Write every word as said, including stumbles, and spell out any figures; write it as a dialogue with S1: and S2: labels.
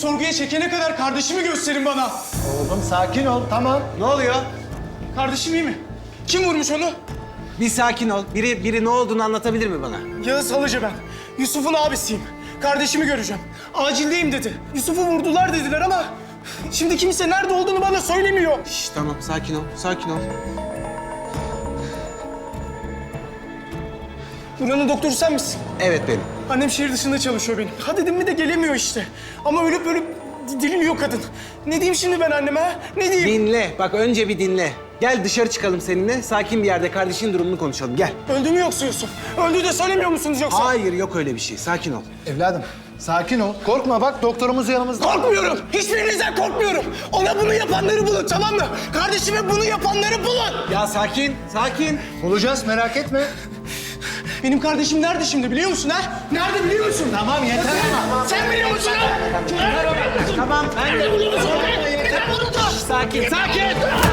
S1: sorguya çekene kadar kardeşimi gösterin bana.
S2: Oğlum sakin ol, tamam.
S3: Ne oluyor?
S1: Kardeşim iyi mi? Kim vurmuş onu?
S3: Bir sakin ol. Biri biri ne olduğunu anlatabilir mi bana?
S1: Yağız Halıcı ben. Yusuf'un abisiyim. Kardeşimi göreceğim. Acildeyim dedi. Yusuf'u vurdular dediler ama... Şimdi kimse nerede olduğunu bana söylemiyor.
S3: Şş, tamam sakin ol. Sakin ol.
S1: Buranın doktoru sen misin?
S3: Evet benim.
S1: Annem şehir dışında çalışıyor benim. Ha dedim mi de gelemiyor işte. Ama ölüp ölüp diliniyor kadın. Ne diyeyim şimdi ben anneme ha? Ne diyeyim?
S3: Dinle. Bak önce bir dinle. Gel dışarı çıkalım seninle. Sakin bir yerde kardeşinin durumunu konuşalım. Gel.
S1: Öldü mü yoksa Yusuf? Öldü de söylemiyor musunuz yoksa?
S3: Hayır yok öyle bir şey. Sakin ol.
S2: Evladım, sakin ol. Korkma bak, doktorumuz yanımızda.
S1: Korkmuyorum. Hiçbirinizden korkmuyorum. Ona bunu yapanları bulun, tamam mı? Kardeşime bunu yapanları bulun.
S3: Ya sakin. Sakin.
S2: Bulacağız, merak etme.
S1: Benim kardeşim nerede şimdi biliyor musun ha? Nerede biliyor musun?
S2: Tamam, yeter ama.
S1: Sen biliyor musun ha? Nerede biliyor musun?
S3: Tamam ben de...
S1: Nerede biliyor musun? Neden vuruldu?
S3: Sakin. Sakin.